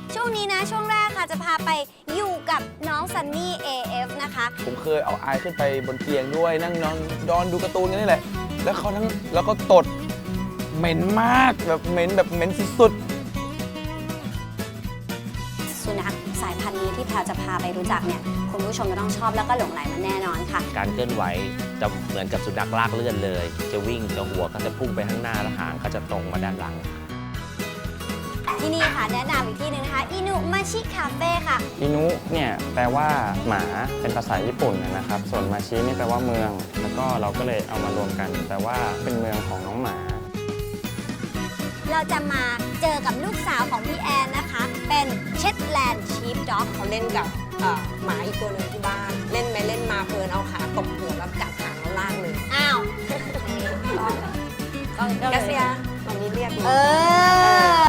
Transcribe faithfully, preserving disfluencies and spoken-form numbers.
ช่วงนี้นะช่วงแรกค่ะจะพาไปอยู่กับน้องซันนี่ เอ เอฟ นะคะผมเคยเอาอายขึ้นไปบนเตียงด้วยนั่งนอนดอนดูการ์ตูนกันนี่แหละแล้วเขาทั้งแล้วก็ตดเหม็นมากแบบเหม็นแบบเหม็นสุดสุนัขสายพันธุ์นี้ที่แพรจะพาไปรู้จักเนี่ยคุณผู้ชมจะต้องชอบแล้วก็หลงใหลมันแน่นอนค่ะการเคลื่อนไหวจะเหมือนกับสุนัขลากเลื่อนเลย จะวิ่งจะหัวก็จะพุ่งไปข้างหน้าแล้วหางก็จะตรงมาด้านหลังที่นี่ค่ะแนะนำอีกที่หนึ่งนะคะอินุมาชิคาเฟ่ค่ะอินุเนี่ยแปลว่าหมาเป็นภาษาญี่ปุ่นนะครับ ส่วนมาชินี่แปลว่าเมือง แล้วก็เราก็เลยเอามารวมกันแปลว่าเป็นเมืองของน้องหมาเราจะมาเจอกับลูกสาวของพี่แอนนะคะ เป็นเช็ดแลนด์ชีฟด็อกเขาเล่นกับเอ่อหมาอีกตัวหนึ่งที่บ้าน เล่นไปเล่นมาเพลินเอาขาตบหัวแล้วกัดหางแล้วลากเลยอ้าวกาเซียตอนนี้เรียกเออ